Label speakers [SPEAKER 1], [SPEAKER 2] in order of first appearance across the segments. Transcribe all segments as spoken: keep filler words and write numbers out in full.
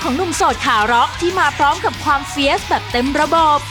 [SPEAKER 1] ของหนุ่มโสดขาร็อกที่มาพร้อมกับความเฟียสแบบเต็มระบบ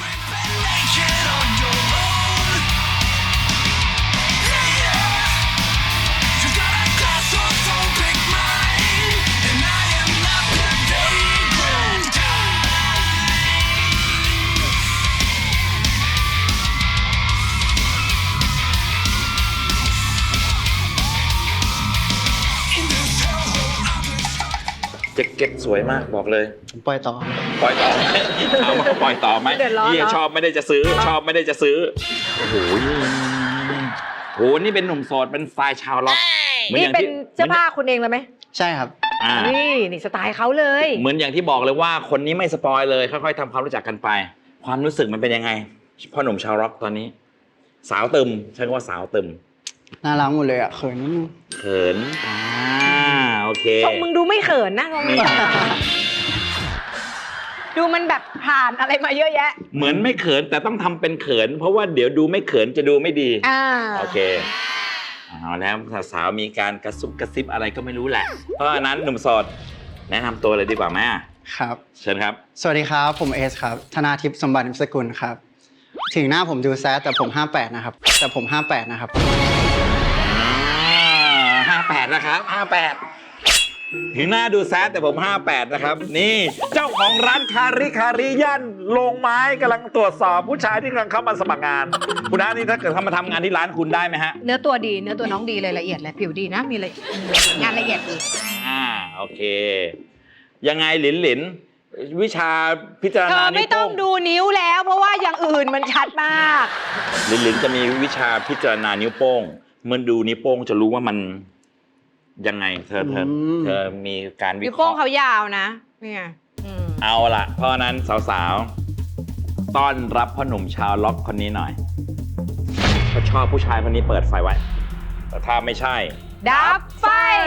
[SPEAKER 2] แจ็คเก็ตสวยมากบอกเลย
[SPEAKER 3] ปล่อยต่อ
[SPEAKER 2] ปล่อยต่อเอามาปล่อยต่อไหมพี่ชอบไม่ได้จะซื้อชอบไม่ได้จะซื้อโอ้โหโหนี่เป็นหนุ่มโสดเป็นสไตล์ชาวล็อก
[SPEAKER 4] นี่เป็นเสื้อผ้าคุณเองเลยไหม
[SPEAKER 3] ใช่ครับ
[SPEAKER 4] นี่นี่สไตล์เขาเลย
[SPEAKER 2] เหมือนอย่างที่บอกเลยว่าคนนี้ไม่สปอยเลยค่อยๆทำความรู้จักกันไปความรู้สึกมันเป็นยังไงพ่อหนุ่มชาวล็อกตอนนี้สาวตึมใช้คำว่าสาวตึม
[SPEAKER 3] น่ารักหมดเลยอ่ะเขินนิดนึง
[SPEAKER 2] เขินอ่าโอเค
[SPEAKER 4] ทรงมึงดูไม่เขินนะทรงมึงดูมันแบบผ่านอะไรมาเยอะแยะ
[SPEAKER 2] เหมือนไม่เขินแต่ต้องทำเป็นเขินเพราะว่าเดี๋ยวดูไม่เขินจะดูไม่ดี
[SPEAKER 4] อ่า
[SPEAKER 2] โอเคเอาแล้วสาวๆมีการกระซุบกระซิบอะไรก็ไม่รู้แหละเพราะฉะนั้นหนุ่มโสดแนะนำตัวเลยดีกว่าไหม
[SPEAKER 3] ครับ
[SPEAKER 2] เชิญครับ
[SPEAKER 3] สวัสดีครับผมเอสครับธนาทิพย์สมบัตินิมสกุลครับถึงหน้าผมดูแซดแต่ผมห้าแปดนะครับแต่ผมห้าแปดนะครับ
[SPEAKER 2] ห้าแปดนะครับห้าแปดถึงหน้าดูแซดแต่ผมห้าแปดนะครับนี่เจ้าของร้านคาริคาริย่านโรงไม้กำลังตรวจสอบผู้ชายที่กำลังเข้ามาสมัครงานคุณน้านี่ถ้าเกิดเขามาทำงานที่ร้านคุณได้ไหมฮะ
[SPEAKER 4] เนื้อตัวดีเนื้อตัวน้องดีเลยละเอียดเลยผิวดีนะมีเลยงานละเอียดดี
[SPEAKER 2] อ่าโอเคยังไงหลินหลินวิชาพิจารณานิ้วโป้งเธอ
[SPEAKER 4] ไม่ต้องดูนิ้วแล้วเพราะว่าอย่างอื่นมันชัดมาก
[SPEAKER 2] หลินหลินจะมีวิชาพิจารณานิ้วโป้งเมื่อดูนิ้วโป้งจะรู้ว่ามันยังไงเธอเธอเธอมีการวิเคราะห์นิ้ว
[SPEAKER 4] โป้งเขายาวนะนี่ไง
[SPEAKER 2] เอาละเพราะนั้นสาวๆต้อนรับพ่อหนุ่มชาวล็อกคนนี้หน่อยเขาชอบผู้ชายคนนี้เปิดไฟไว้แต่ถ้าไม่ใช่
[SPEAKER 4] ดับไฟ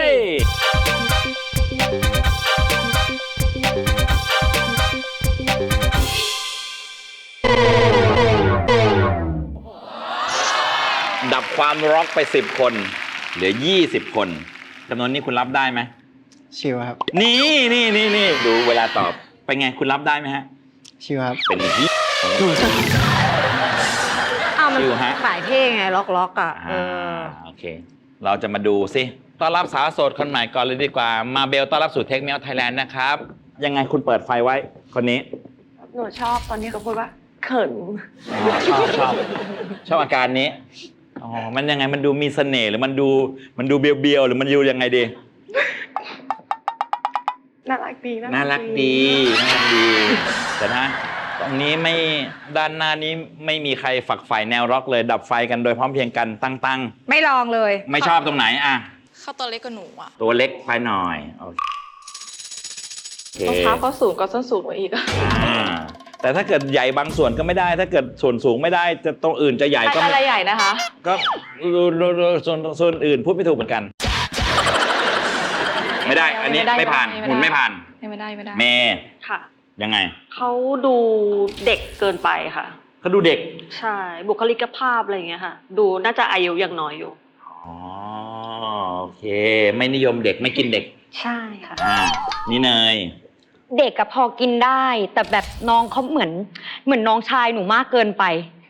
[SPEAKER 2] ดับความร็อกไปสิบคนเหลือยี่สิบคนจำนวนนี้คุณรับได้ไหม
[SPEAKER 3] ชิวครับ
[SPEAKER 2] นี่นี่นี่นี่ดูเวลาตอบไปไงคุณรับได้ไหมฮะ
[SPEAKER 3] ชิวครับ
[SPEAKER 2] เป็นที่
[SPEAKER 4] อ้าวมันขายเท่ไงล็อกล็อกอ่ะ
[SPEAKER 2] เออโอเคเราจะมาดูสิต้อนรับสาวโสดคนใหม่ก่อนเลยดีกว่ามาเบลต้อนรับสู่เทคเมลไทยแลนด์นะครับยังไงคุณเปิดไฟไว้คนนี้
[SPEAKER 5] หนูชอบตอนนี้เขาพูดว่าเขิน
[SPEAKER 2] ชอบชอบชอบอาการนี้อ๋อมันยังไงมันดูมีเสน่ห์หรือมันดูมันดูเบียวๆหรือมันดูยังไงดี
[SPEAKER 5] น่ารักดี
[SPEAKER 2] น่ารักดีน่ารักดีแต่นะตรงนี้ไม่ด้านหน้านี้ไม่มีใครฝักใฝ่แนวร็อกเลยดับไฟกันโดยพร้อมเพรียงกันตั้ง
[SPEAKER 4] ๆไม่ลองเลย
[SPEAKER 2] ไม่ชอบตรงไหนอ่ะ
[SPEAKER 5] เขาตัวเล็กกว่าหนูอ่ะ
[SPEAKER 2] ตัวเล็กไปหน่อยโอเค
[SPEAKER 5] รองเท้าเขาสูงกว่าส้นสูงกว่าอีก
[SPEAKER 2] แต่ถ้าเกิดใหญ่บางส่วนก็ไม่ได้ถ้าเกิดส่วนสูงไม่ได้จะตรงอื่นจะใหญ่ก็
[SPEAKER 5] อะไรใหญ่นะคะ
[SPEAKER 2] ก็ส่วนส่วนอื่นพูดไม่ถูกเหมือนกันไม่ได้อันนี้ไม่ผ่านหุ่นไม่ผ่าน
[SPEAKER 5] ไม่ได้ไม่ได้
[SPEAKER 2] เมย์
[SPEAKER 5] ค่ะ
[SPEAKER 2] ยังไง
[SPEAKER 5] เขาดูเด็กเกินไปค่ะ
[SPEAKER 2] เขาดูเด็ก
[SPEAKER 5] ใช่บุคลิกภาพอะไรอย่างเงี้ยค่ะดูน่าจะอายุยังน้อยอยู่
[SPEAKER 2] อ๋อโอเคไม่นิยมเด็กไม่กินเด็ก
[SPEAKER 5] ใช่ค่ะ
[SPEAKER 2] อ่านี่เนย
[SPEAKER 6] เด็กกับพอกินได้แต่แบบน้องเขาเหมือนเหมือนน้องชายหนูมากเกินไป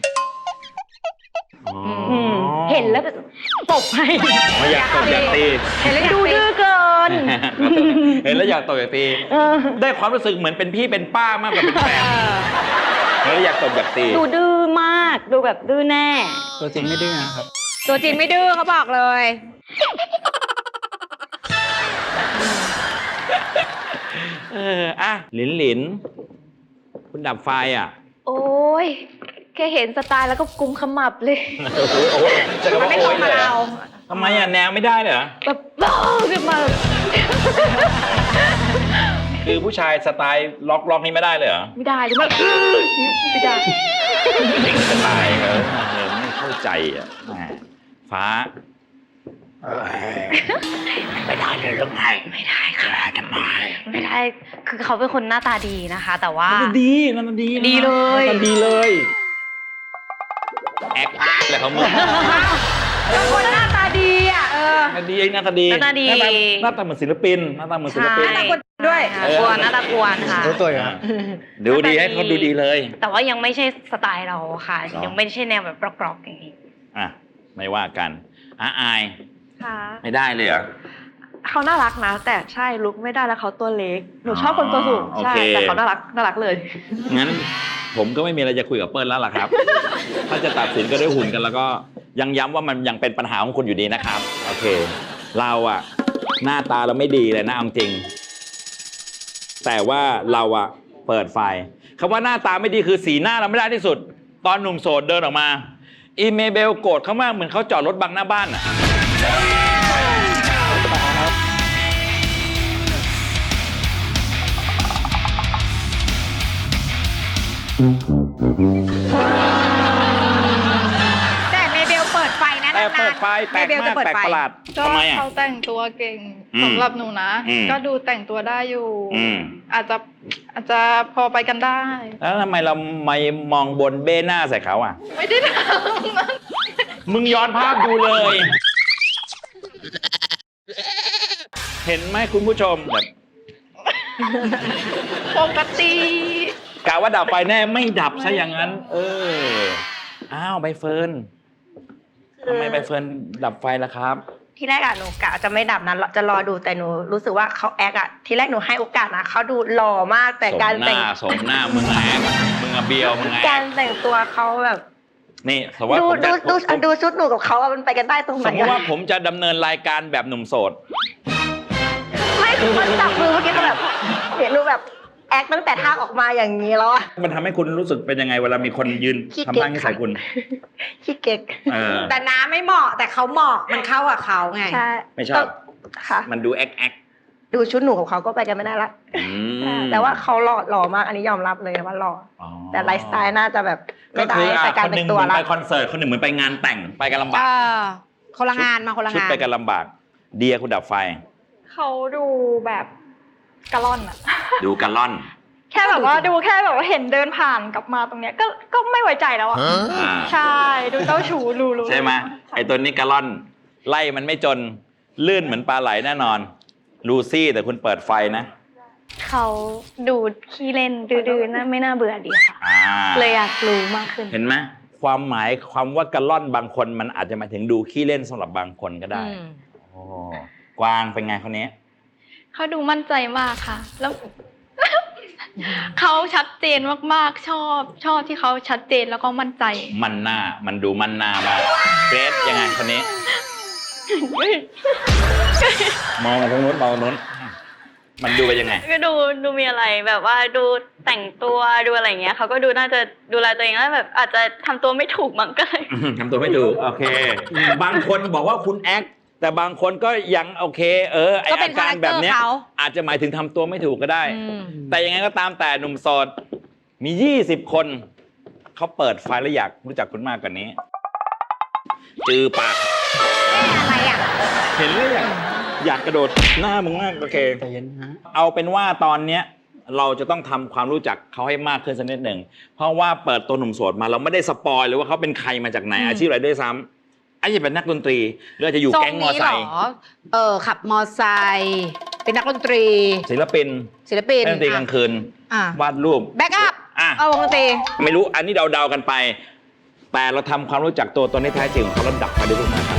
[SPEAKER 6] เห็นแล้วตบให้
[SPEAKER 2] ไม่อยากตบอยากตี
[SPEAKER 6] เห็นแล้วดูดื้อเกิน
[SPEAKER 2] เห็นแล้วอยากตบอยากตีได้ความรู้สึกเหมือนเป็นพี่เป็นป้ามากกว่าเป็นแฟนแล้วอยากตบอยากตี
[SPEAKER 6] ดูดื้อมากดูแบบดื้อแน่
[SPEAKER 3] ตัวจริงไม่ดื้อนะครับ
[SPEAKER 4] ตัวจริงไม่ดื้อเขาบอกเลย
[SPEAKER 2] เอออ่ะหลินหลินคุณดับไฟอ่ะ
[SPEAKER 6] โอ้ยแค่เห็นสไตล์แล้วก็กุมขมับเลย
[SPEAKER 4] มันไม่ตรงกับเรา
[SPEAKER 2] ทำไมอ่ะแนวไม่ได้เหรอ
[SPEAKER 6] แบบบ้าขึ้นมา
[SPEAKER 2] คือผู้ชายสไตล์ล็อกล็อกนี่ไม่ได้เลยเหรอ
[SPEAKER 6] ไม่ได้หรือไม่ไม่ได้
[SPEAKER 2] สไตล์เออไม่เข้าใจอ่ะฟ้าไม่ได้เลยหรือไง
[SPEAKER 6] ไม่ได้ค่ะ
[SPEAKER 2] ทำไม
[SPEAKER 6] ไม่ได้คือเขาเป็นคนหน้าตาดีนะคะแต่ว่า
[SPEAKER 2] ดีนั่นดี
[SPEAKER 6] ดีเลย
[SPEAKER 2] ดีเลยแอคอะไรเขาเมื่อ
[SPEAKER 4] คนหน้าตาดีอ่ะเออ
[SPEAKER 2] ดีหน้าตาดี
[SPEAKER 6] หน้าตาดี
[SPEAKER 2] หน้าตาเหมือนศิลปินหน้าตาเหมือนศิลปิน
[SPEAKER 6] หน้าตากวนด้วยกวนหน้าตากวนค่ะ
[SPEAKER 3] รู้ตัวอยู่ครับ
[SPEAKER 2] ดูดีให้เขาดูดีเลย
[SPEAKER 6] แต่ว่ายังไม่ใช่สไตล์เราค่ะ
[SPEAKER 2] หรอ
[SPEAKER 6] ยังไม่ใช่แนวแบบกรอกๆอย่างนี้
[SPEAKER 2] อ่ะไม่ว่ากันอ่ะอาย
[SPEAKER 5] ค่ะ
[SPEAKER 2] ไม่ได้เลยเหรอ
[SPEAKER 5] เขาน่ารักนะ แต่ใช่ลุกไม่ได้แล้วเขาตัวเล็ก หนูชอบคนตัวสูง
[SPEAKER 2] อ๋อ
[SPEAKER 5] ใช่
[SPEAKER 2] โอเค
[SPEAKER 5] แต่เขาน่ารักน่ารักเลย
[SPEAKER 2] งั้นผมก็ไม่มีอะไรจะคุยกับเปิ้ลแล้วล่ะครับ ถ้าจะตัดสินก็ด้วยหุ่นกันแล้วก็ยังย้ำว่ามันยังเป็นปัญหาของคุณอยู่ดีนะครับ โอเค เราอะหน้าตาเราไม่ดีเลยนะเอาจริง แต่ว่าเราอะเปิดไฟคำว่าหน้าตาไม่ดีคือสีหน้าเราไม่ได้ที่สุด ตอนหนุ่มโสดเดินออกมา อีเมเบลโกรธเขามากเหมือนเขาจอดรถบังหน้าบ้านอะ
[SPEAKER 4] แต่เมเบลเปิดไฟนะ
[SPEAKER 2] แต่
[SPEAKER 4] นานๆ
[SPEAKER 2] เปิดไฟแปลก
[SPEAKER 4] เมเบล
[SPEAKER 2] มา
[SPEAKER 4] จะ
[SPEAKER 2] ก
[SPEAKER 4] เปิด
[SPEAKER 2] แปลก
[SPEAKER 4] ไฟ
[SPEAKER 2] ประหลาด
[SPEAKER 7] ก็
[SPEAKER 2] ทำไมอะ
[SPEAKER 7] เขาแต่งตัวเก่ง
[SPEAKER 2] อืม
[SPEAKER 7] สำหรับหนูนะ
[SPEAKER 2] อืม
[SPEAKER 7] ก็ดูแต่งตัวได้อยู่
[SPEAKER 2] อืม
[SPEAKER 7] อาจจะอาจจะพอไปกันได้
[SPEAKER 2] แล้วทำไมเราไม่มองบนเบ้หน้าใส่เขาอ่ะ
[SPEAKER 7] ไม่ได้ท
[SPEAKER 2] มึงย้อนภาพดูเลย เห็นไหมคุณผู้ชมแบบ
[SPEAKER 7] ำปกติ
[SPEAKER 2] กะว่าดับไฟแน่ไม่ดับซะอย่างนั้น เออ อ้าวใบเฟิร์นทำไมใบเฟิร์นดับไฟล่ะครับ
[SPEAKER 6] ที่แรกอะหนูกะจะไม่ดับนั้นจะรอดูแต่หนูรู้สึกว่าเขาแอคอะที่แรกหนูให้โอกาสนะเขาดูหล่อมากแต่
[SPEAKER 2] สม
[SPEAKER 6] การ
[SPEAKER 2] ห
[SPEAKER 6] แต่ง
[SPEAKER 2] น้าสมหน้ามึงแอกมึงอะเบียวมึงแอก
[SPEAKER 6] การแต่งตัวเขาแบบ
[SPEAKER 2] นี่สมมติ
[SPEAKER 6] ดู
[SPEAKER 2] ว่าผม
[SPEAKER 6] ดู
[SPEAKER 2] จะ
[SPEAKER 6] ดู
[SPEAKER 2] ผม
[SPEAKER 6] ดูชุดหนูกับเขาอะมันไปกันได้ตรงไห
[SPEAKER 2] ส
[SPEAKER 6] น
[SPEAKER 2] มมติว่า
[SPEAKER 6] อะ
[SPEAKER 2] ผมจะดำเนินรายการแบบหนุ่มโสด
[SPEAKER 6] ไม่คือมันจับมือเมื่อกี้ก็แบบเห็นหนูแบบแอคตั้งแต่ท่าออกมาอย่างนี้แล้วอะ
[SPEAKER 2] มันทำให้คุณรู้สึกเป็นยังไงเวลามีคนยืน
[SPEAKER 6] ขี้
[SPEAKER 2] ทำ
[SPEAKER 6] เก๊ก
[SPEAKER 2] ท่าให้ใส่คุณ
[SPEAKER 6] ขี้เก๊ก
[SPEAKER 2] เออ
[SPEAKER 4] แต่น้าไม่เหมาะแต่เขาเหมาะมันเข้ากับเขาไง
[SPEAKER 6] ใช่
[SPEAKER 2] ไม่ชอบ
[SPEAKER 6] ค่ะ
[SPEAKER 2] มันดูแอกแอก
[SPEAKER 6] ดูชุดหนูกับเขาก็ไปกันไม่ได้ละ
[SPEAKER 2] อืม
[SPEAKER 6] แต่ว่าเขาหล่อหล่อมากอันนี้ยอมรับเลยว่าหล่อ
[SPEAKER 2] อ๋อ
[SPEAKER 6] แต่ไลฟ์สไตล์น่าจะแบบ
[SPEAKER 2] ก็
[SPEAKER 6] ไม่ได้
[SPEAKER 2] คืออ่ะ
[SPEAKER 6] แต่การ
[SPEAKER 2] คนห
[SPEAKER 6] แต่
[SPEAKER 2] นึ่ง
[SPEAKER 6] ง
[SPEAKER 2] เห
[SPEAKER 6] ตัว
[SPEAKER 2] มือน
[SPEAKER 6] ละ
[SPEAKER 2] ไปคอนเสิร์ตคนหนึ่งเหมือนไปงานแต่งไปกันลำบา
[SPEAKER 4] เอก อคนละงานมาคนละ
[SPEAKER 2] ชุด
[SPEAKER 4] งาน
[SPEAKER 2] ไปกันลำบาก เดียคุณดับไฟ
[SPEAKER 7] เขาดูแบบกะล่อนอะ
[SPEAKER 2] ดูกันล่อน
[SPEAKER 7] แค่แบบว่าดูแค่แบบว่าเห็นเดินผ่านกลับมาตรงเนี้ยก็ก็ไม่ไว้ใจแล้วอะ
[SPEAKER 2] อ่า
[SPEAKER 7] ใช่ดูเจ้าชู้รู้รู้
[SPEAKER 2] ใช่ไหมไอตัวนี้กันล่อน ไล่มันไม่จนลื่นเหมือนปลาไหลแน่นอนลูซี่แต่คุณเปิดไฟนะ
[SPEAKER 5] เขาดูขี้เล่นดื้อๆนะไม่น่าเบื่อดีค่ะ
[SPEAKER 2] อ่า
[SPEAKER 5] เลยอยากรู้มากขึ้น
[SPEAKER 2] เห็นไหมความหมายความว่ากันล่อนบางคนมันอาจจะหมายถึงดูขี้เล่นสำหรับบางคนก็ได้
[SPEAKER 4] อืม
[SPEAKER 2] โอ้กวางเป็นไงคนนี้
[SPEAKER 7] เขาดูมั่นใจมากค่ะ แล้ว เขาชัดเจนมากๆชอบชอบที่เขาชัดเจนแล้วก็มั่นใจ
[SPEAKER 2] มันหน้ามันดูมันหน้ามากเกรซยังไงคนนี้ มองมาทางนู้นมองทางนู้น มันดูไปยังไง
[SPEAKER 5] ก็ดูดูมีอะไรแบบว่าดูแต่งตัวดูอะไรอย่างเงี้ยเขาก็ดูน่าจะดูแลตัวเองแล้วแบบอาจจะทำตัวไม่ถูกมั้งก็เลย
[SPEAKER 2] ทำตัวไม่ถูกโอเค บางคนบอกว่าคุณแอคแต่บางคนก็ยังโอเค เออไอ
[SPEAKER 4] ก็เป็
[SPEAKER 2] อาน การแบบเนี้ย
[SPEAKER 4] คาแรคเตอร์เขา
[SPEAKER 2] อาจจะหมายถึงทำตัวไม่ถูกก็ได้
[SPEAKER 4] อืม
[SPEAKER 2] แต่ยังไงก็ตามแต่หนุ่มโสดมียี่สิบคนเขาเปิดไฟแล้วอยากรู้จักคุณมากกว่านี้จือปาก
[SPEAKER 4] อะไรอ่ะ
[SPEAKER 2] เห็นแล้วอยากอยากกระโดดหน้ามึงมากโอเค
[SPEAKER 3] ใจเย็นนะ
[SPEAKER 2] เอาเป็นว่าตอนเนี้ยเราจะต้องทำความรู้จักเขาให้มากขึ้นสักนิดหนึ่งเพราะว่าเปิดตัวหนุ่มโสดมาเราไม่ได้สปอยเลยว่าเขาเป็นใครมาจากไหน
[SPEAKER 4] อืม
[SPEAKER 2] อาชีพอะไรด้วยซ้ำอาจจะเป็นนักดนตรีหรืออาจจะอยู่
[SPEAKER 4] ทรง
[SPEAKER 2] แก๊งมอ
[SPEAKER 4] นี้
[SPEAKER 2] ไซ
[SPEAKER 4] เหร
[SPEAKER 2] ค์
[SPEAKER 4] อเออขับมอไซค์เป็นนักดนตรี
[SPEAKER 2] ศิลปิน
[SPEAKER 4] ศิลปิน
[SPEAKER 2] เล่นดนตรีกลางคืน
[SPEAKER 4] อ่ะ
[SPEAKER 2] วาดรูป
[SPEAKER 4] แบ็กอัพ
[SPEAKER 2] อ่ะ
[SPEAKER 4] เอาวงดนตรี
[SPEAKER 2] ไม่รู้อันนี้เดาๆกันไป แต่เราทำความรู้จักตัวตนที่แท้จริงของเขาแล้วดับไฟด้วยทุกคนครับ